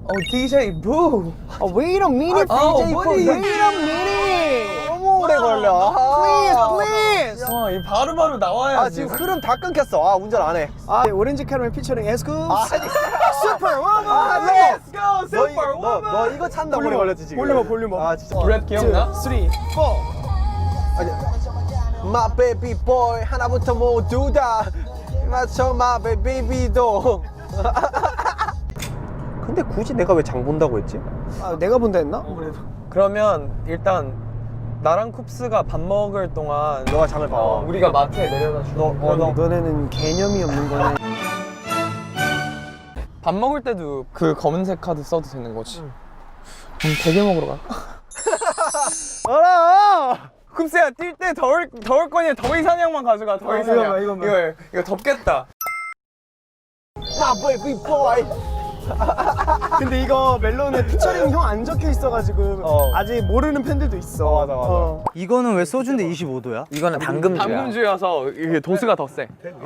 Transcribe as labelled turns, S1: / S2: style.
S1: DJ Boo.
S2: Wait a minute, DJ Boo. Wait a minute.
S3: 너무 오래 걸려.
S2: Please.
S1: 이 바로바로 나와야지.
S3: 아 지금 흐름 다 끊겼어. 아 운전 안 해.
S2: 오렌지 캐러멜 피처링 에스쿱.
S3: 아니.
S2: 슈퍼워먼.
S1: Let's go, Superwoman.
S3: 너 이거 찾는다 오래 걸렸지 지금.
S2: 볼륨업.
S3: 아 진짜.
S1: 브렛 기억나?
S2: 3, 4.
S3: My baby boy 하나부터 모두 다 맞춰 my baby도. 근데 굳이 내가 왜 장 본다고 했지?
S2: 내가 본다 했나?
S1: 그러면 일단 나랑 쿱스가 밥 먹을 동안
S3: 너가 장을 봐.
S1: 우리가 마트에 내려다 줄게.
S2: 너네는 개념이 없는 거네.
S1: 밥 먹을 때도 그 검은색 카드 써도 되는 거지. 그럼 대게 먹으러 갈까?
S3: 알아.
S1: 쿱스야 뛸 때 더울 거니 더위 사냥만 가져가. 더위 사냥. 이거 덥겠다.
S3: My baby boy.
S2: 근데 이거 멜론에 피처링 형 안 적혀 있어가지고 아직 모르는 팬들도 있어.
S3: 맞아.
S4: 이거는 왜 소주인데 25도야?
S1: 이거는 당금주야. 당금주여서 이게 도수가 더 세.